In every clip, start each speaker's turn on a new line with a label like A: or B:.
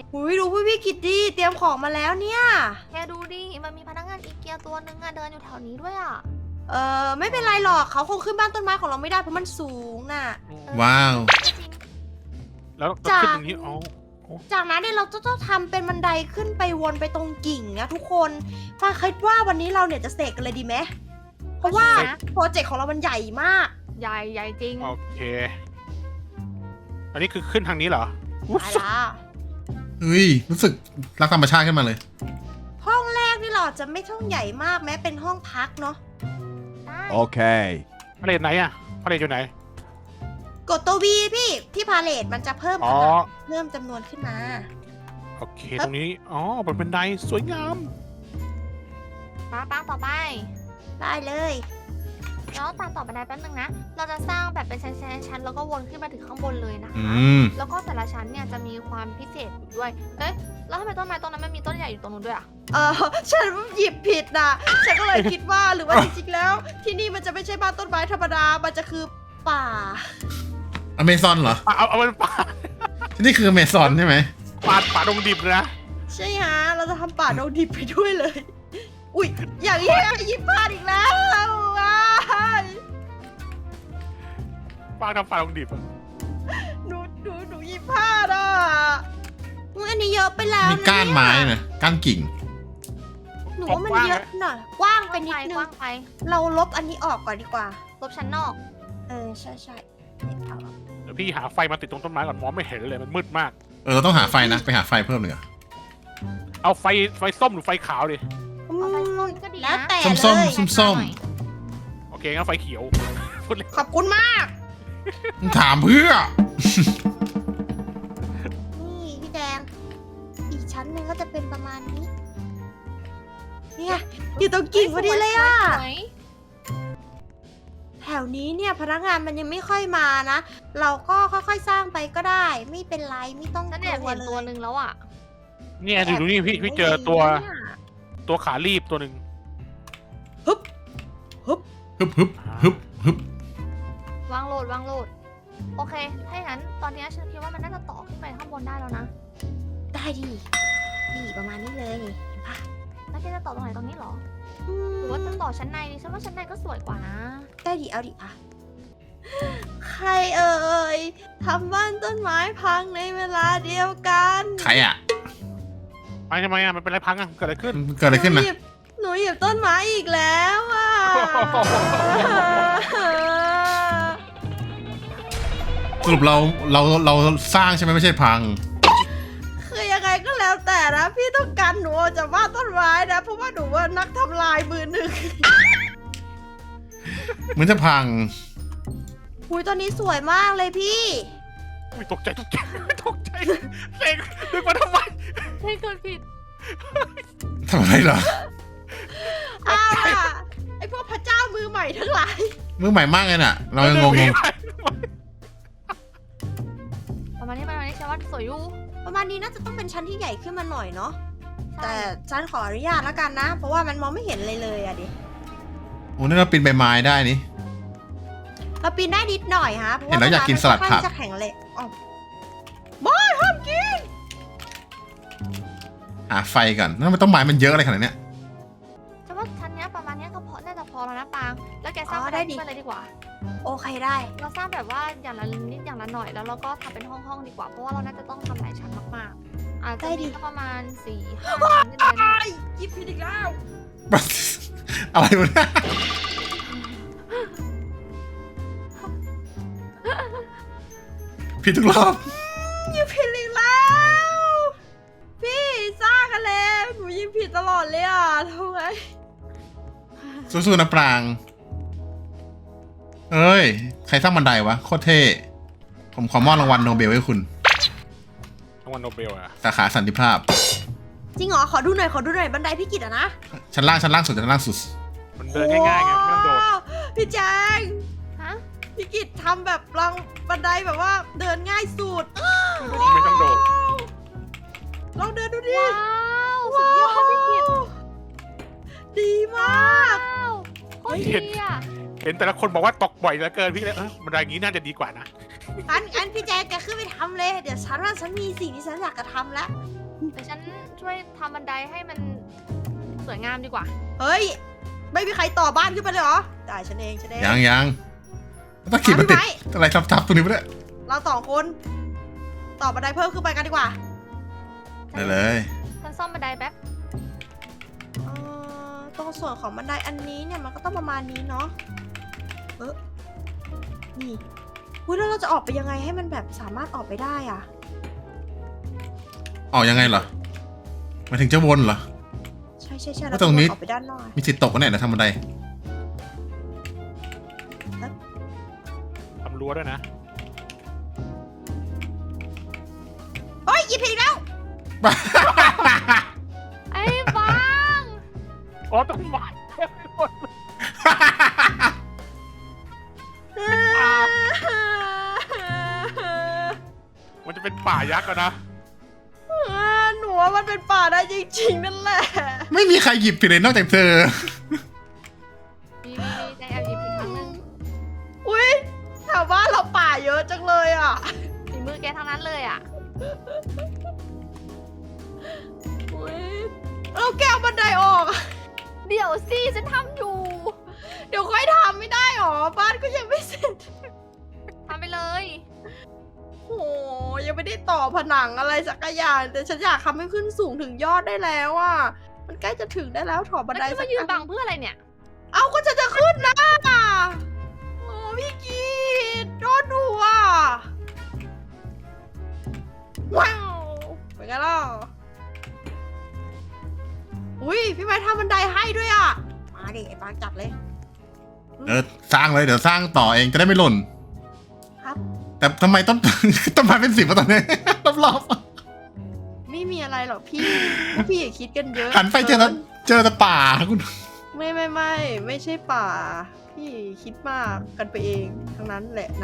A: หุยดูพี่กิตดีเตรียมของมาแล้วเนี่ย
B: แกดูดิมันมีพนักงานอีเกียตัวนึงอะเดินอยู่แถวนี้ด้วยอะ
A: ไม่เป็นไรหรอกเขาคงขึ้นบ้านต้นไม้ของเราไม่ได้เพราะมันสูงน่ะ
C: ว้าว
B: จริง
D: แล้ว
A: จ้ะ
D: ขึ้นตรงนี้อ๋อ
A: จากนั้นเนี่ยเราจะต้องทำเป็นบันไดขึ้นไปวนไปตรงกิ่งนะทุกคนฟ้าคิดว่าวันนี้เราเนี่ยจะเสกกันเลยดีไหมเพราะว่าโปรเจกต์ของเรามันใหญ่มาก
B: ใหญ่ใหญ่จริง
D: โอเค อันนี้คือขึ้นทางนี้เหรอ
A: ไปละ
C: เฮ้ย รู้สึกรักธรรมชาติขึ้นมาเลย
A: ห้องแรกนี่เราอาจจะไม่ต้องใหญ่มากแม้เป็นห้องพักเนาะ
B: ได้
E: Okay.
D: พาเลทไหนอะพาเลทอยู่ไหน
A: กดตัววีพี่ที่พาเลทมันจะเพิ่ม
D: อ๋อ
A: เพิ่มจำนวนขึ้นมา
D: โอเค ตรงนี้ อ๋อเป็นบันไดสวยงาม
B: ปังต่อไป
A: ได้เลย
B: แล้วตามต่อบันไดแป๊บนึงนะ เราจะสร้างแบบเป็นชั้นๆแล้วก็วนขึ้นมาถึงข้างบนเลยนะ
C: อื
B: คะ
C: ม
B: แล้วก็แต่ละชั้นเนี่ยจะมีความพิเศษอยู่ด้วย เอ๊ะ แล้วทำไมต้นไม้ต้นนั้นมันมีต้นใหญ่อยู่ตรงนู้นด้วยอะ
A: ฉันหยิบผิดนะฉันก็เลยคิดว่าหรือว่าจริงๆแล้ว ที่นี่มันจะไม่ใช่บ้านต้นไม้ธรรมดา มันจะคือป่า
C: อเมซอนเหรอ
D: เอาเป็นป่า
C: ที่นี่คืออเมซอนใช่ไหม
D: ป่าดงดิบเลยนะ
A: ใช่ฮะ เราจะทำป่าดงดิบไปด้วยเลย อุ๊ย อย่างนี้หยิบพลาดอีกแล้วว้าย
D: ป่าทำป่าดงดิบอะ
A: หนูหยิบพลาดอ่ะอุ๊ยอันนี้เยอะไปแล้ว
C: มีก้านไม้นะก้านกิ่ง
A: หนูว่ามันเยอะหน่อยกว้างไปนิดนึ
B: ก
A: ง
B: ว้างไป
A: เราลบอันนี้ออกก่อนดีกว่า
B: ลบชั้นนอก
A: ใช่เนี่ยเอา
D: เดี๋ยวพี่หาไฟมาติดตรงต้นไม้ก่อนมองไม่เห็นเลยมันมืดมาก
C: เราต้องหาไฟนะ ไปหาไฟเพิ่มเลยเหรอ
D: เอาไฟส้มหรือไฟขาวดิ
B: เอาไปส้มก็ดีนะ
A: แล้วแต่
C: ส้ม
A: เลย
C: ส้ม
D: โอเคงั้นไฟเขียวพูดเลย
A: ขอบคุณมาก
C: ถามเพื่อ
A: นี่พี่แดง อีกชั้นหนึ่งก็จะเป็นประมาณนี้ เนี่ยอยู่ตรงกิ่งพอดีเลยอ่ะ
B: สวย
A: แถวนี้เนี่ยพนักงานมันยังไม่ค่อยมานะ เราก็ค่อยๆสร้างไปก็ได้ ไม่เป็นไรไม่ต้อง
B: ๆฉัน
A: ก
B: แอบ
A: ลัว
B: เห็น
A: เล
B: ตัวย หนึ่งแล้วอะ
D: เนี่ยดูนี่พี่เจอตัวขารีบตัวหนึ่ง
C: ฮึบฮึบฮึบฮึบ
B: วางโหลด โอเค ถ้าอย่างนั้นตอนนี้ฉันคิดว่ามันน่าจะต่อขึ้นไปข้างบนได้แล้วนะ
A: ได้ดินี่ประมาณนี้เลยเห็นปะ
B: แล้วแกจะต่อตรงไหนตรงนี้เหรอ หรือว่าจะต่อชั้นในดิฉันว่าชั้นในก็สวยกว่านะ
A: ได้ดิเอาดิอ่ะใครเอ่ยทำบ้านต้นไม้พังในเวลาเดียวกัน
C: ใครอ่ะ
D: ไปทำไมอะมันเป็นอะไรพังอะเกิดอะไรขึ้น
C: เกิดอะไรขึ้นนะ
A: หนูหยิบต้นไม้อีกแล้วอ่ะ
C: สรุปเราสร้างใช่ไหมไม่ใช่พัง
A: คือยังไงก็แล้วแต่นะพี่ต้องการหนูออกจากบ้านต้นไม้นะเพราะว่าหนูว่านักทำลายมือหนึ่ง
C: เหมือนจะพัง
A: อุ้ยตอนนี้สวยมากเลยพี่
D: อุ๊ยตกใจเสกดึงมาทำไม
B: ให้เกิดผิด
C: ทำอะไรเหรอ
A: อ้าวล่ะไอพวกพระเจ้ามือใหม่ทั้งหลาย
C: มือใหม่มากเลยน่ะ เรายังงง
B: ประมาณนี้ฉันว่าสวยอยู่
A: ประมาณนี้น่าจะต้องเป็นชั้นที่ใหญ่ขึ้นมาหน่อยเนาะแต่ฉันขออนุญาตแล้วกันนะ เพราะว่ามันมองไม่เห็นเลยอะดิ
C: โอ้นี่เราปีนใบไม้ได้นี่
A: เราปีนได้นิดหน่อยฮะเพราะ
C: เห็นแล้วอยากกินสลัดผัก
A: ค่อนข้างจะแข็งเลยอ๋อไม่ห้ามกิน
C: หาไฟก่อนแล้วมันต้องไม้มันเยอะอะไรขนาดเนี้ย
B: ฉันว่าชั้นเนี้ยประมาณเนี้ยก็พอน่าจะพอแล้วนะปาง แล้วแกสร้างบันไดขึ้นไปเลยดีกว่า
A: โอเคได้
B: เราสร้างแบบว่าอย่างละนิดอย่างละหน่อยแล้วเราก็ทำเป็นห้องๆดีกว่า เพราะว่าเราน่าจะต้องทำหลายชั้นมากๆ อาจจะมีสักประมาณ4-5ชั้นขึ้นไปนะ
A: ไอ้ยิบผิดอีกแล้ว
C: อะไรวะเนี่ยผิดทุกรอบ
A: ยิบผิดอีกแล้ว พี่สร้างกันแล้วหนูยิบผิดตลอดเลยอ่ะทำไง
C: สู้ๆนะปราง เอ้ย ใครสร้างบันไดวะ โคตรเท่ ผมขอมอบรางวัลโนเบลให้คุณ
D: รางวัลโนเบลอะ
C: สาขาสันติภาพ
A: จริงเหรอขอดูหน่อยบันไดพี่กิตอะนะ
C: ชั้นล่างสุดชั้นล่างสุด
D: มันเดินง่ายๆไงไม่ต้องโดด
A: โอ้พี่แจง
B: ฮะ
A: พี่กิตทำแบบรางบันไดแบบว่าเดินง่ายสุด
D: ไม่ต้องโดด
A: ลองเดินดูดิ
B: ว้าวสุดยอดพี่กิต
A: ดีมาก
B: ว้าวโคตรดีอ่ะ
D: เห็นแต่ละคนบอกว่าตกบ่อยเหลือเกินพี่เลยบันไดอย่างนี้น่าจะดีกว่านะ
A: งั้นพี่แจงแกขึ้นไปทำเลย เดี๋ยวฉันว่าฉันมีสิ่งที่ฉันอยากจะทำแล้ว
B: เดี๋ยวฉันช่วยทำบันไดให้มันสวยงามดีกว่า
A: เฮ้ย ไม่มีใครต่อบ้านขึ้นไปเลยเหรอ ได้ฉันเอง
C: ยังต้องขีดมันติด
A: ไว้
C: อะไรทับๆตรงนี้ไปเลย
A: เราสองคนต่อบันไดเพิ่มขึ้นไปกันดีกว่า
C: ได้เลย
B: ฉันซ่อมบันไดแป๊บ
A: ตรงส่วนของบันไดอันนี้เนี่ยมันก็ต้องประมาณนี้เนาะนี่อุ้ยแล้วเราจะออกไปยังไงให้มันแบบสามารถออกไปได้อ่ะ
C: ออกยังไงเหรอหมายถึงจะวนเหรอ
A: ใช่
C: แล้
A: เรา
C: วตรงนี้
A: ออกไปด้านนอก
C: มีสิทธิ์ตกกันแน่เดี๋ยวทำบันได
D: ทำรั้วด้วยนะ
A: เฮ้ยหยิบผิดแล้ว
B: ไอ้บ้าง
D: อ๋อต้นไม้เต็มไปหมดเลยมันจะเป็นป่ายักษ์อะนะ
A: หนูว่ามันเป็นป่าได้จริงๆนั่นแหละ
C: ไม่มีใครหยิบผิดเลยนอกจากเธอ
B: มีใจแอบหยิบอีกครั้งหนึง
A: อุ้ยแถวบ้านเราป่าเยอะจังเลยอ่ะ
B: ฝีมือแกทั้งนั้นเลยอ่ะ
A: อุ้ยเราแก้วบันไดออก
B: เดี๋ยวสิฉันทำอยู่
A: เดี๋ยวค่อยทำไม่ได้หรอ บ้านก็ยังไม่เสร็จ
B: ทำไปเลย
A: โอ้ยังไม่ได้ต่อผนังอะไรสักอย่าง แต่ฉันอยากทำให้ขึ้นสูงถึงยอดได้แล้วอ่ะ มันใกล้จะถึงได้แล้วถอบันได
B: แล้ว
A: สั
B: จะ
A: ก
B: มายืน
A: อั
B: บั
A: น
B: งเพื่ออะไรเนี่ย
A: เอาก็จะขึ้นนะโอ้พี่กีดโดนหัวว้าวเป็นไงล่ะอุ้ยพี่ไม้ทำบันไดให้ด้วยอ่ะ มาดิไอ้ปางจัดเลย
C: สร้างเลยเดี๋ยวสร้างต่อเองจะได้ไม่หล่น
A: ครับ
C: แต่ทำไมต้น ต้นไม้เป็น10วะตอนนี้ รอบ
A: ไม่มีอะไรหรอกพี่ พวกพี่อย่าคิดกันเยอะ
C: ๆหันไปเจอแต่ป่าคุณ
A: ไม่ใช่ป่า พี่คิดมากกันไปเองทั้งนั้นแหละนะ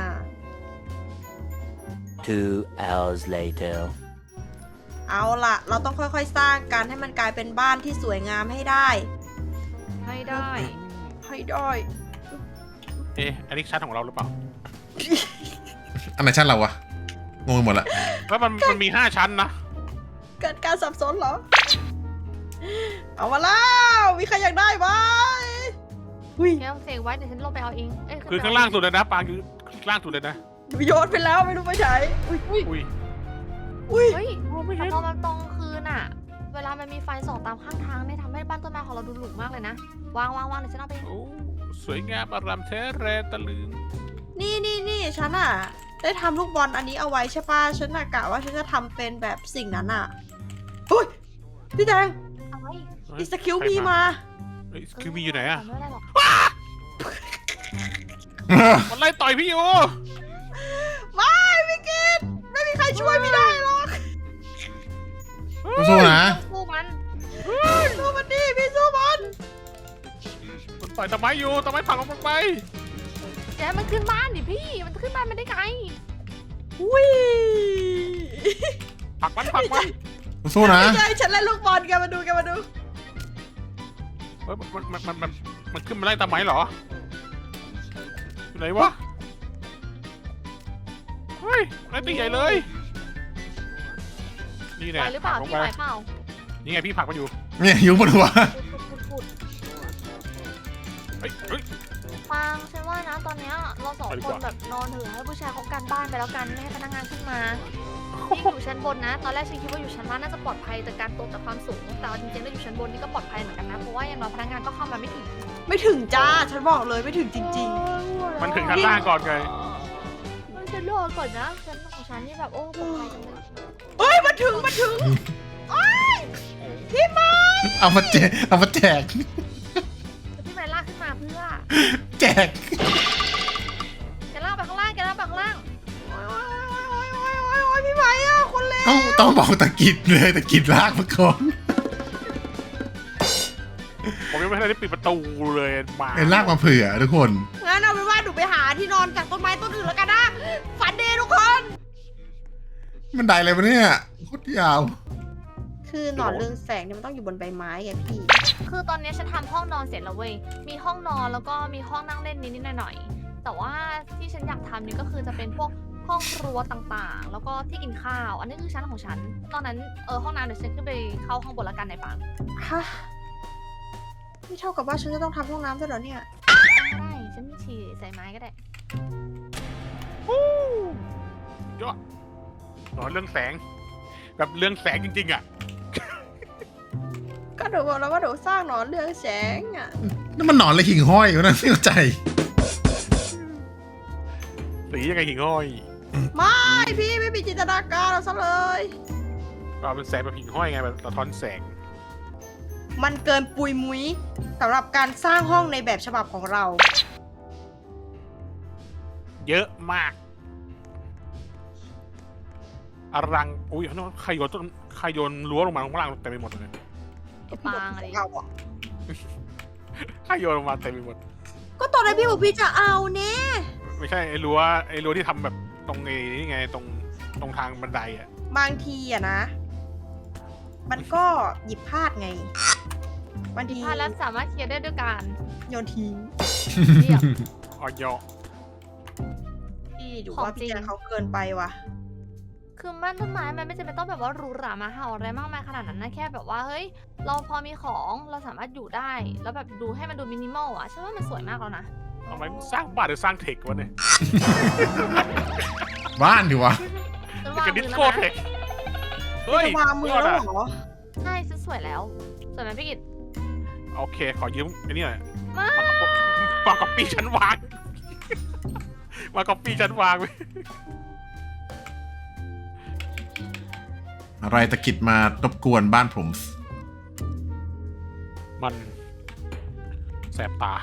E: 2 hours later.
A: เอาล่ะ เราต้องค่อยๆสร้างกันให้มันกลายเป็นบ้านที่สวยงามให้ได้
B: ไม่ได้
A: ให้ได้
D: อันนี้ชั้นของเราหรือเปล่า
C: อันไหนชั้นเราวะงงไปหมดละ
D: แล้วมันมี5 ชั้นนะ
A: เกิดการสับสนเหรอ เอามาแล้ว มีใครอยากได้ไหมอุ้ย
B: แกต้องเสกไว้เดี๋ยวฉันลงไปเอาเองเย
D: คือข้างล่างสุดเลยนะปางอยู่ข้างล่างสุดเลยนะ
A: หนูโยนไปแล้วไม่รู้ไปไหนอุ้ย
D: อุ้ย
A: อุ้ย
B: เฮ้ยแต่พอมันตรงคืนอ่ะ เวลามันมีไฟส่องตามข้างทางเนี่ยทำให้บ้านต้นไม้ของเราดูหรูมากเลยนะ วางเดี๋ยวฉันเอาไป
D: โอ้สวยงามอารามแท้แรตะลึง
A: นี่ฉันอ่ะ ได้ทำลูกบอลอันนี้เอาไว้ใช่ป่ะ ฉันน่ะกะว่าฉันจะทำเป็นแบบสิ่งนั้นอ่ะอุ้ยพี่แดง
B: เอาไว้
A: อีสคิวมีมา
D: เฮ้ยคือมีอยู่ไหนอะ
B: ไม่เป็นไรหรอก
D: มันไล่ต่อยพี่อยู่
A: ไม่พี่กิตไม่มีใครช่วยพี่ได้หรอก
C: สู้ๆนะ
B: สู้มัน
A: สู้มันดิพี่สู้มัน
D: มันต่อยตะไม้อยู่ตะไม้ผลักลงไป
B: เดี๋ยวมันขึ้นบ้านดิพี่ มันจะขึ้นบ้านมันได้ไง
A: อุ้ย
D: ผลักมัน
C: สู้ๆนะ
A: ไม่ใช่ฉันเล่นลูกบอลแกมาดู
D: เฮ้ยมันขึ้นมาไล่ตะไม้เหรออยู่ไหนวะเฮ้ยไล่ตีใหญ่เลยนี่
B: ไห
D: เนี่
B: วย หรือเปล่า
D: ผลักลง
B: พี่
D: ไป
B: ไหวเปล่า
D: นี่ไงพี่ผลักมันอยู่
C: เนี่ยอยู่บนหัว
B: ขุด
D: เฮ้ย
B: ฟางฉันว่านะตอนเนี้ยเราสอง
D: ไปดี
B: ค
D: ก
B: น
D: ว่า
B: แบบนอนเถอะให้ผู้ชายเขากันบ้านไปแล้วกันไม่ให้พนักงานขึ้นมาพี่อยู่ชั้นบนนะ ตอนแรกฉันคิดว่าอยู่ชั้นล่างน่าจะปลอดภัยจากการตกจากความสูง แต่เอาจริงๆแล้วอยู่ชั้นบนนี่ก็ปลอดภัยเหมือนกันนะ เพราะว่าอย่างน้อยพนักงานก็เข้ามาไม่ถึง
A: ไม่ถึงจ้า ฉันบอกเลยไม่ถึงจริง
D: มันถึงชั้นล่างก่อนไง
B: ฉันรอก่อนนะชั้นของฉันนี่แบบโอ้ปลอดภัยจังเลย
A: ๆเอ้ยมาถึงโอ้ยพี่ไม้
C: เอามาแจก
B: แล้วพี่ไม้ลากขึ้นมาเพื่อ
C: แจก
B: แกลากไปข้างล่างแกลากไปข้างล่าง
A: โอ้ยพี่ไม้อะคนเลว
C: ต้องบอกตะกิดเลยตะกิดลากมาก่อน
D: ผมยังไม่ทันได้ปิดประตูเลยมา
C: เอ็นลากมาเผื่อทุกคน
A: งั้นเอาเป็นว่าหนูไปหาที่นอนจากต้นไม้ต้นอื่นแล้วกันนะฝันดีทุกคน
C: มันได้อะไรวะเนี่ยโคตรยาว
A: คือหนอนเรืองแสงเนี่ยมันต้องอยู่บนใบไม้ไงพี่
B: คือตอนนี้ฉันทำห้องนอนเสร็จแล้วเว้ย มีห้องนอนแล้วก็มีห้องนั่งเล่นนิดๆหน่อยๆแต่ว่าที่ฉันอยากทำนี่ก็คือจะเป็นพวกห้องครัวต่างๆ แล้วก็ที่กินข้าว อันนี้คือชั้นของฉันตอนนั้นห้องน้ำเดี๋ยวฉันขึ้นไปเข้าห้องบนละกันในฝัง
A: ฮะนี่เท่ากับว่าฉันจะต้องทำห้องน้ำด้วยเหรอเนี่ย
B: ก็ได้ฉันฉี่ใส่ไม้ก็ได้
D: ยอดอ๋อเรื่องแสง แบบเรื่องแสงจริงๆอ่ะ
A: ก็หนูบอกแล้วว่าหนูสร้างหนอนเรืองแสงอ่ะ
C: นั่นมันหนอนเลยหิ่งห้อยวะนะไม่เข้าใจ
D: สียังไงหิ่งห้อย
A: ไม่พี่ไม่มีจินตนาการเราซะเลย
D: ก็เป็นแสงแบบหิ่งห้อยไงแบบสะท้อนแสง
A: มันเกินปุยมุ้ยสำหรับการสร้างห้องในแบบฉบับของเรา
D: เยอะมากอลังอุ้ยใครโยนรั้วลงมาข้างล่างเต็มไปหมดเลย
B: ไอ้ปางอะไร
A: เอาอะ
D: ใครโยนลงมาเต็มไปหมด
A: ก็ตอนนั้นพี่บอกพี่จะเอาเนี่ย
D: ไม่ใช่ไอ้รั้วที่ทำแบบตรงนี่ไงตรงทางบันไดอ่ะ
A: บางทีอะนะ มันก็หยิบพลาดไงบางที
B: ถ้าแล้วสามารถเคลียร์ได้ด้วยการ
A: โยนทิ้ง
B: เรียบ
D: ออยอ
A: พี่ดู
B: ของ
A: ว่าพี่
B: จริง
A: แจงเขาเกินไปว่ะ
B: คือบ้านต้นไม้มันไม่จำเป็นต้องแบบว่าหรูหรามาเห่าอะไรมากมายขนาดนั้นนะแค่แบบว่าเฮ้ยเราพอมีของเราสามารถอยู่ได้ แล้วแบบดูให้มันดูมินิมอลอ่ะฉันว่ามันสวยมากแล้วนะ
D: ทำไมสร้างบ้านหรือสร้างเทควะเนี่ย
C: บ้านดิวะ
B: ฉันวาง
D: กับดิ
B: มื
D: ส
B: อ
D: โก้
B: แล้ว
D: เท
B: นะ
D: คเฮ้ย
A: จะวางมือแล้วเหรอ
B: ใช่ฉันสวยแล้วสวยไหมพี่กิต
D: โอเคขอยืมไอ้นี่หน่อย
B: มา
D: มาก๊อปปี้ชั้นวาง มาก๊อปปี้ชั้นวางไป
C: อะไรตะกิดมารบกวนบ้านผม
D: มันแสบตา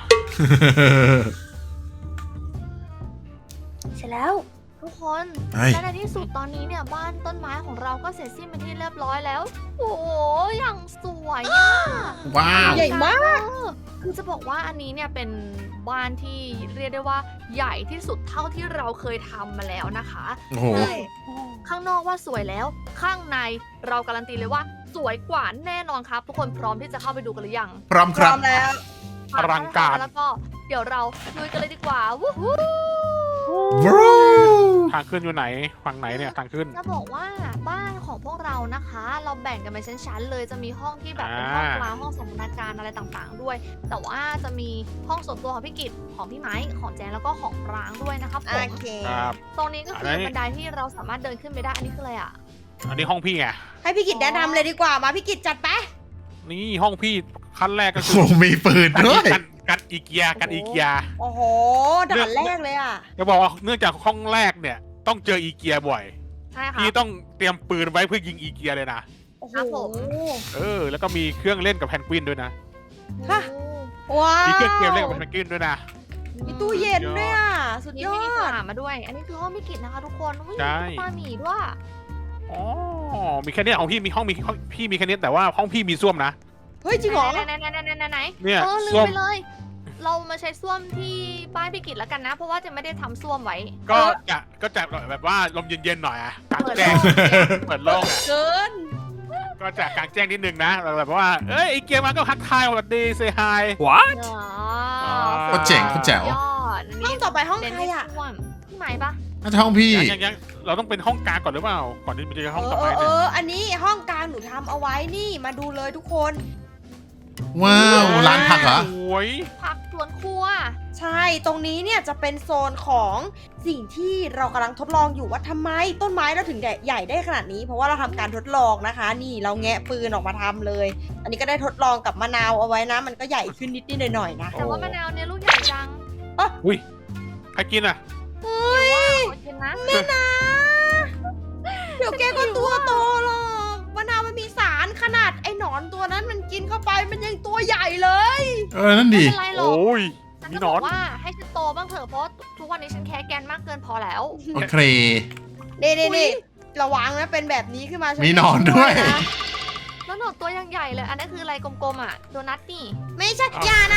A: เสร็จแล้ว
B: ทุกคน
C: เฮ้ย
B: และในที่สุดตอนนี้เนี่ยบ้านต้นไม้ของเราก็เสร็จสิ้นเป็นที่เรียบร้อยแล้ว โอ้โหอย่างสวยอ่ะ
C: ว้าว
A: ใหญ่มาก
B: คือจะบอกว่าอันนี้เนี่ยเป็นบ้านที่เรียกได้ว่าใหญ่ที่สุดเท่าที่เราเคยทำมาแล้วนะคะ
C: โอ้โห
A: ใช่
B: ข้างนอกว่าสวยแล้ว ข้างในเราการันตีเลยว่าสวยกว่าแน่นอนครับ ทุกคนพร้อมที่จะเข้าไปดูกันหรือยัง
C: พร้อม
A: พ
C: ค
A: ร้
C: รั
A: อบ มแล้ว
D: อลังการ
B: แล้วก็เดี๋ยวเราลุยกันเลยดีกว่าวู้ฮู้
C: บรู
D: ทางขึ้นอยู่ไหนฝั่งไหนเนี่ยทางขึ้น
B: จะบอกว่าบ้านของพวกเรานะคะ เราแบ่งกันเป็นชั้นๆเลยจะมีห้องที่แบบเป็นห้องกลางห้องสันทนาการอะไรต่างๆด้วย แต่ว่าจะมีห้องส่วนตัวของพี่กิตของพี่ไม้ของแจนแล้วก็ของปรางด้วยนะครับผ
A: โอ
B: ม
A: เค
D: ครับ
B: ตรงนี้ก็คือ
D: อันนี้
B: บันไดที่เราสามารถเดินขึ้นไปได้อันนี้คืออะไรอ่ะ
D: อันนี้ห้องพี่ไง
A: ให้พี่กิจแนะนำเลยดีกว่ามาพี่กิจจัดไป
D: นี่ห้องพี่ขั้นแรกก็
C: โอ้
D: คื
C: โหมีปืนด้วย
D: กันอีเกียกันอีเกีย
A: โอ้โหด่านแรกเลยอ่ะ
D: จะบอกว่าเนื่องจากห้องแรกเนี่ยต้องเจออีเกียบ่อย
B: ใช่ค่ะ
D: พี่ต้องเตรียมปืนไว้เพื่อยิงอีเกียเลยนะ
A: โอ้โห
B: ครับผม
D: แล้วก็มีเครื่องเล่นกับแพนกวินด้วยนะ
A: ฮะ ว้าว
D: มีเครื่องเกมเล่นกับแพนกวินด้วยนะ
A: มีตู้เย็นด้วยอ่ะ สุด
B: มี
A: ยอ
B: มินิส
A: ด
B: นามมาด้วย อันนี้คือห้องพี่กิตนะคะทุกคนอุ้ย
D: ใช่
B: มีตุ๊กตาหมีด้วย
D: อ๋อมีแค่เนี้ยของพี่มีห้องพี่มีแค่เนี้ยแต่ว่าห้องพี่มีส้วมนะ
A: เฮ้ยจริงเหรอ
B: ไหนไหน
D: เนี่ย
B: ลื
D: ส้ว
B: ม
D: ม
B: ไปเลย เรามาใช้ส้วมที่บ้านพี่กิตแล้วกันนะ เพราะว่าจะไม่ได้ทำส้วมไว้
D: ก็จะแบบว่าลมเย็นๆหน่อยอะกลาง
B: เปิด
D: แจ้ง
B: โล่ง
D: เปิดโล่งอะ
A: เกิน
D: ก็จะกลางแจ้งนิดนึงนะแบบว่าเอ้ยอีเกียมาก็ทักทายสวัสดีเซฮาย
B: อ๋อ
C: โคตรเจ๋งโคตรแจ๋ว
B: ยอดอัน
A: ห้
B: นี้
A: องต่อไปห้อง
B: เน้น
A: ใคร
B: ที่
A: อ่ะ
B: ส้วมพี่ไหมปะ
C: น่าจะห้องพี่
D: ยังเราต้องเป็นห้องกลางก่อนหรือเปล่าก่อนที่มันจะห้องต่อไป
A: เอ
D: เนี่ย
A: อ อันนี้ห้องกลางหนูทำเอาไว้นี่มาดูเลยทุกคน
C: ว้าวร้านผักเหรอ
D: สวย
B: ผักสวนครัว
A: ใช่ ตรงนี้เนี่ยจะเป็นโซนของสิ่งที่เรากำลังทดลองอยู่ว่าทำไมต้นไม้เราถึงใหญ่ได้ขนาดนี้ เพราะว่าเราทำการทดลองนะคะ นี่เราแงะปืนออกมาทำเลย อันนี้ก็ได้ทดลองกับมะนาวเอาไว้นะ มันก็ใหญ่ขึ้นนิดๆหน่อยๆนะ
B: แต่ว่ามะนาวเนี่ยลูกใหญ่จัง
D: ใครกินอ่ะ
A: เฮ้ย
B: โอเคนะ
A: แม่นะเดี๋ยวแกก็ตัวโตหรอกมะนาวมันมีสารขนาดไอ้หนอนตัวนั้นมันกินเข้าไปมันยังตัวใหญ่เลย
C: นั่น
B: ไม่
C: ดิ
B: เป็นไรหรอก
D: โอ้ย
B: ฉัน
D: มี
B: ก็
D: หน
B: บ
D: อ
B: อน กว่าให้ฉันโตบ้างเถอะเพราะทุกวันนี้ฉันแค่แกนมากเกินพอแล้ว
C: โอเค
A: นี่ระวังนะเป็นแบบนี้ขึ้นมาฉั
C: มีหนอนด้วย
A: นะ
B: แล้วหนอนตัวยังใหญ่เลย อันนั้นคืออะไรกลมๆอ่ะโดนัทนี่
A: ไม่ใช่อย่านะ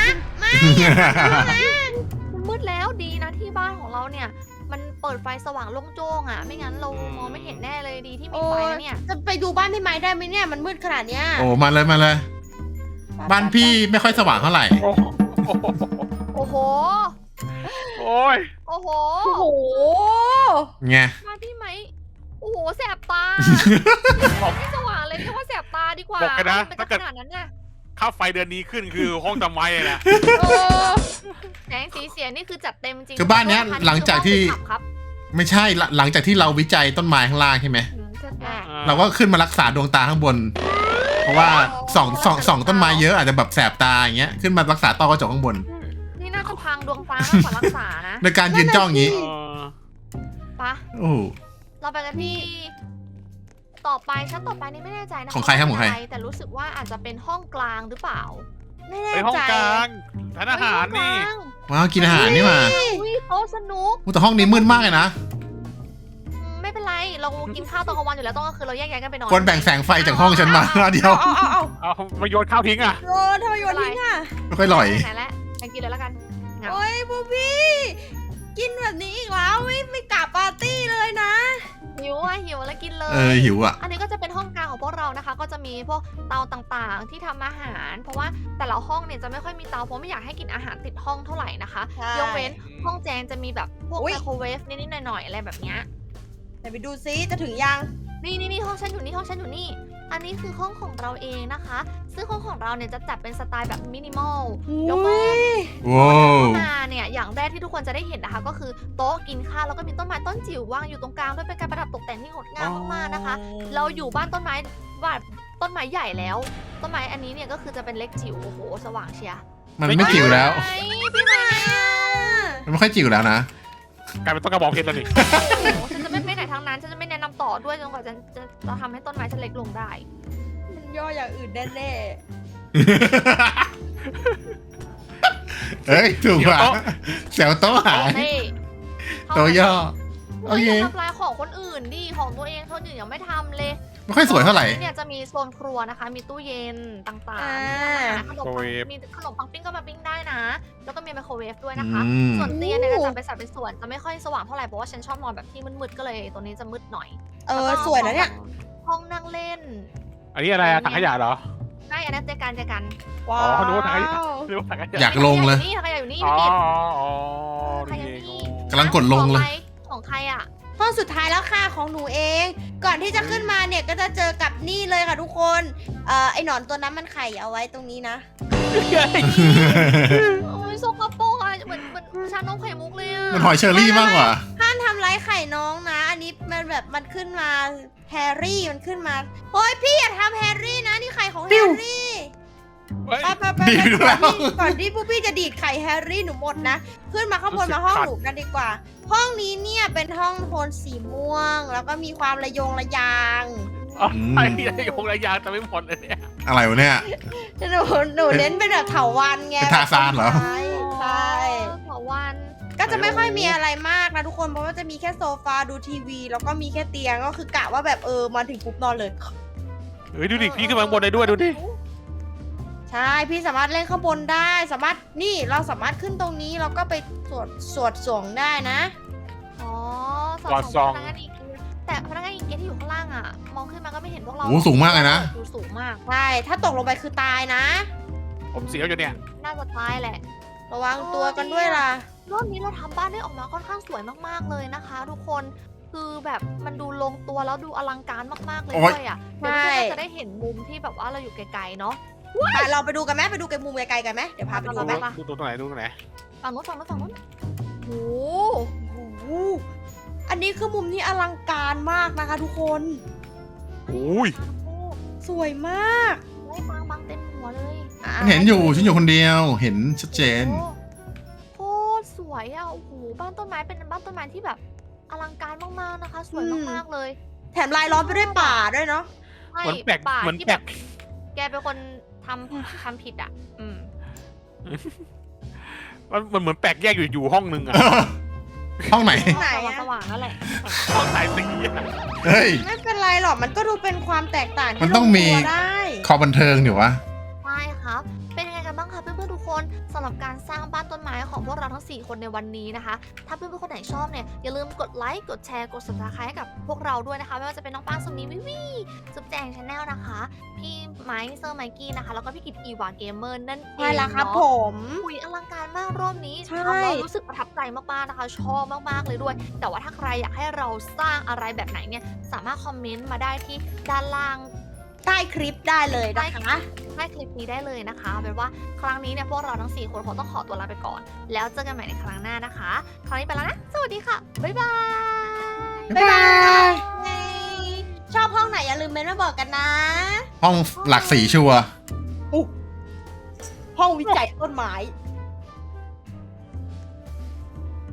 B: มันมืดแล้วดีนะที่บ้านของเราเนี่ย มันเปิดไฟสว่างโล่งโจ้งอ่ะ ไม่งั้นเรามองไม่เห็นแน่เลยดีที่มี
A: โอ้
B: ไฟ
A: ย
B: นะเนี่ย
A: จะไปดูบ้านพี่ไม้ได้ไหมเนี่ยมันมืดขนาดเนี้ย
C: โอ้มาเลยมาเลย บ้านพี่ไม่ค่อยสว่างเท่าไหร่
D: โอ้โห
B: โอ้โห
D: โอ้ย
B: โอ้โห
A: โอ้โห
C: ไง
B: มาที่ไหมโอ้โหแสบตาไม่สว่างเลยเรียกว่าแสบตาดีกว่า
D: บอกกันนะ
B: เป็น
D: ถ้าเกิด
B: ขนาดนั้นน่ะ
D: ค่าไฟเดือนนี้ขึ้นคือห้องทำไมอะนะ
A: เออ
B: แสงสีเสียงนี่คือจัดเต็มจริง
C: คือบ้านเนี้ยหลังจากที่
B: ครับ
C: ไม่ใช่หลังจากที่เราวิจัยต้นไม้ข้างล่างใช่ไหม
A: อ่ะ
C: เราก็ขึ้นมารักษาดวงตาข้างบน เพราะว่าส่องต้นไม้เยอะอาจจะแบบแสบตาอย่างเงี้ยขึ้นมารักษาต้อกระจกข้างบน
B: นี่น่าจะพังดวงตามากกว่ารักษานะ
C: ในการยืนจ้องอย่างงี้
D: เออ
B: ปะ
C: โอ้โห
B: เราไปกันที่ต่อไปชั้นต่อไปนี่ไม่แน่ใจนะ
C: ของใครครับของใคร
B: แต่รู้สึกว่าอาจจะเป็นห้องกลางหรือเปล่า
A: ไม่แน่
D: ไปห้อง
A: ใจ
D: กลางทานอาหารนี่
C: ว้าวกินอาหารนี่มา
B: อุ้ยโต๊ะสนุก
C: อุ๊ยแต่ห้องนี้มืดมากเลยนะ
B: ไม่เป็นไรเรากินข้าวตอนกลางวันอยู่แล้วต้องก็คือเราแยกย้ายกันไปนอน
C: ควรแบ่งแสงไฟจากห้องฉันมาเดียว
A: เอา
D: เอามาโยนข้าวทิ้งอ่ะ
A: โยนทำไมโยนทิ้งอ่ะ
C: ไม่ค่อยอร่อย
B: ไหนแล้วไปกินเลยแล้วกันเหงา
A: โอ้ยบูบี้กินแบบนี้อีกแล้วไม่กลับปาร์ตี้เลยนะ
B: หิวแล้วกินเลย
C: หิวอ่ะ
B: อันนี้ก็จะเป็นห้องกลางของพวกเรานะคะ ก็จะมีพวกเตาต่างๆ ที่ทำอาหาร เพราะว่าแต่ละห้องเนี่ยจะไม่ค่อยมีเตาเพราะไม่อยากให้กินอาหารติดห้องเท่าไหร่นะคะ
A: ใช่
B: ยกเว้นห้องแจงจะมีแบบพวก
A: อุ๊ย
B: ไมโครเวฟนิดๆหน่อยๆอะไรแบบเนี้ย
A: ไหนไปดูซิจะถึงยัง
B: นี่ห้องฉันอยู่นี่ห้องฉันอยู่นี่ อันนี้คือห้องของเราเองนะคะ ซึ่งห้องของเราเนี่ยจะจัดเป็นสไตล์แบบมินิมอลยกเว้น
C: ว้าว
B: มาเนี่ยอย่างแรกที่ทุกคนจะได้เห็นนะคะ ก็คือโต๊ะกินข้าวแล้วก็มีต้นไม้ต้นจิ๋ววางอยู่ตรงกลางด้วยเป็นการประดับตกแต่งที่งดงามมากๆนะคะ เราอยู่บ้านต้นไม้บ้านต้นไม้ใหญ่แล้ว ต้นไม้อันนี้เนี่ยก็คือจะเป็นเล็กจิ๋วโอ้โหสว่างเชียร์
C: มันไม่จิ๋วแล้ว
B: พี่ไม้
C: มันไม่ค่อยจิ๋วแล้วนะ
D: กลายเป็นต้นกระบอกเพชรแล้วนี่
B: โอ้โหฉันจะไม่ไปไหนทางนั้นฉันจะไม่แนะนำต่อด้วยจนกว่าจะทำให้ต้นไม้ฉันเล็กลงได้
A: มันย่ออย่างอื่นแน่
C: เฮ้ยถูกว่ะแถวโต๊ะหาย
B: เฮ้ย
C: โต๊ะย่อ โอ
B: โอ
C: เค
B: เคทำลายของคนอื่นดิของตัวเองคนอื่นยังไม่ทำเลย
C: ไม่ค่อยสวยเท่าไหร่
B: เนี่ยจะมีโซนครัวนะคะ มีตู้เย็นต่าง
A: อ่า
B: ๆขนมปังมีขนมปังปิ้งก็มาปิ้งได้นะ แล้วก็มีไมโครเวฟด้วยนะคะ
C: อืม
B: ส่วนเตียงเนี่ยจะจัดเป็นสัดเป็นส่วนจะไม่ค่อยสว่างเท่าไหร่เพราะว่าฉันชอบนอนแบบที่มืดๆก็เลยตัวนี้จะมืดหน่อย
A: เออสวยนะเนี่ย
B: ห้องนั่งเล่น
D: อันนี้อะไรอะถังขยะเหรอ
B: ใช่อันนั้นเจอกัน
A: ว้า
D: อ๋อนึก
A: ว
D: ว่าถังขยะ นึกว่าถังขยะ
C: อยากลงเลย
B: นี่ใครอยู่นี่
D: อ๋อ
B: พี่กิต
D: อ๋อ
B: ใคร
D: นี่
B: อยู่
D: เอง
B: นี่
C: กำลังกดลงเลย
B: ของใครอ่ะ
A: ห้องสุดท้ายแล้วค่ะของหนูเอง ก่อนที่จะขึ้นมาเนี่ยก็จะเจอกับนี่เลยค่ะทุกคนไอหนอนตัวนั้นมันไข่เอาไว้ตรงนี้นะ
B: โอ้ยโซกโปรกอ่ะเหมือนชานมไข่มุกเลยอ่ะ
C: มันหอยเชอรี่มากกว่า
A: ห้ามทำร้ายไข่น้องนะ อันนี้มันแบบมันขึ้นมาแฮร์รี่มันขึ้นมาโอ้ยพี่อย่าทำแฮร์รี่นะนี่ไข่ของแฮร์รี่
D: เฮ้ย
A: ไป
C: ดีดแล้ว
A: ก่อนที่พวกพี่จะดีดไข่แฮร์รี่หนูหมดนะ ขึ้นมาข้างบน
D: รู้สึก
A: มาห้อง
D: ขัด
A: หนูกันดีกว่า ห้องนี้เนี่ยเป็นห้องโทนสีม่วง แล้วก็มีความระยงระยาง
D: ไอ้ระยงระยางจะไม่หมดเลยเนี่ย
C: อะไรวะเนี่ย
A: หนูเน้นเป็นแบบเถาวันไง
C: เป็นทาซานเหรอ
A: ใช่ใช่
B: ขอวัน
A: ก็จะไม่ค่อยมีอะไรมากนะทุกคน เพราะว่าจะมีแค่โซฟาดูทีวี แล้วก็มีแค่เตียงก็คือกะว่าแบบมาถึงปุ๊บนอนเลย
D: เฮ้ยดูดิพี่ขึ้นมาข้างบนได้ด้วยดูดิ
A: ใช่พี่สามารถเล่นข้างบนได้สามารถนี่เราสามารถขึ้นตรงนี้แล้วก็ไปสวดส่งได้นะ
B: อ๋อ
D: วาดซอง
B: พนักงานอีกแต่พนักงานอีกที่อยู่ข้างล่างอ่ะ มองขึ้นมาก็ไม่เห็นพวกเรา
C: โอ้สูงมากเลยนะ
B: ดูสูงมาก
A: ใช่ ถ้าตกลงไปคือตายนะ
D: ผมเสียวอยู่เนี่ย
B: น่าจะตายแหละ
A: ระวังตัวกันด้วยล่ะ
B: รอบนี้เราทำบ้านได้ออกมาค่อนข้างสวยมากๆเลยนะคะ ทุกคนคือแบบมันดูลงตัวแล้วดูอลังการมากๆเลย
C: โอ๊ย
B: ด้วยอ่ะเดี๋ยว
A: ใช่
B: เราจะได้เห็นมุมที่แบบว่าเราอยู่ไกลๆเนาะ
A: ไปเราไปดูกันไหมไปดูไกลมุมไกลๆกันไหมเดี๋ยวพาไปดูไหม
B: ไป
D: ดูตรงไหนดูตรงไหน
B: ฝั่งนู้นโอ้
A: โอ้โหอันนี้คือมุมที่อลังการมากนะคะ ทุกคน
D: โอ้ย
A: สวยมาก
B: ไล่บางเต็มหัวเลย
A: อ่ะ
C: ฉันเห็นอยู่ฉันอยู่คนเดียว เห็นชัดเจน
B: โคตรสวยอ่ะโอ้โหบ้านต้นไม้เป็นบ้านต้นไม้ที่แบบอลังการมากๆนะคะ สวยมากๆเลย
A: แถมลายล้อมไปด้วยป่าด้วยเนาะ
B: ใช่
D: เหมือนแปลก
B: ป่า
D: เหมือน
B: ที่
D: แปล
B: แบบ
D: ก
B: แกเป็นคนทำผิดอ่ะ
D: มันเหมือนแปลกแยกอยู่ห้องนึงอะ
C: ห้องไหน
A: ไหนอะ
B: สว่างๆนั่นแหละ
D: ห้องสายสีอะ
C: เฮ้ย
A: ไม่เป็นไรหรอกมันก็ดูเป็นความแตกต่างที่
C: มันต้องมี
A: ลตัวได้
C: คอบันเทิงเดี๋ยววะ
B: ใช่ครับ เป็นยังไงกันบ้างคะเพื่อนๆทุกคนสำหรับหรับการสร้างบ้านต้นไม้ของพวกเราทั้ง 4 คนในวันนี้นะคะ ถ้าเพื่อนๆคนไหนชอบเนี่ยอย่าลืมกดไลค์กดแชร์กด subscribe ให้กับพวกเราด้วยนะคะไม่ว่าจะเป็นน้องป้างสุมีวิวีจุ๊บแจงชาแนลนะคะพี่ไมค์เซอร์ไมกี้นะคะแล้วก็พี่กิตอีวาเกมเมอร์นั่นเอง
A: ใช่แล้วครับ
B: เนาะ
A: ผม
B: อุยอลังการมากรอบนี้
A: ใช่
B: ทำแล้วรู้สึกประทับใจมากๆนะคะ ชอบมากๆเลยด้วย แต่ว่าถ้าใครอยากให้เราสร้างอะไรแบบไหนเนี่ยสามารถคอมเมนต์มาได้ที่ด้านล่าง
A: ใต้คลิปได้เลยนะคะ
B: ใต้คลิปนี้ได้เลยนะคะเอาเป็นว่าครั้งนี้เนี่ยพวกเราทั้ง 4 คนคงต้องขอตัวลาไปก่อน แล้วเจอกันใหม่ในครั้งหน้านะคะ ครั้งนี้ไปแล้วนะ สวัสดีค่ะ บ๊ายบาย
A: บ๊ายบาย ชอบห้องไหนอย่าลืมเมนต์มาบอกกันนะ
C: ห้องหลักสีชัวร์
A: ห้องวิจัยต้นไม้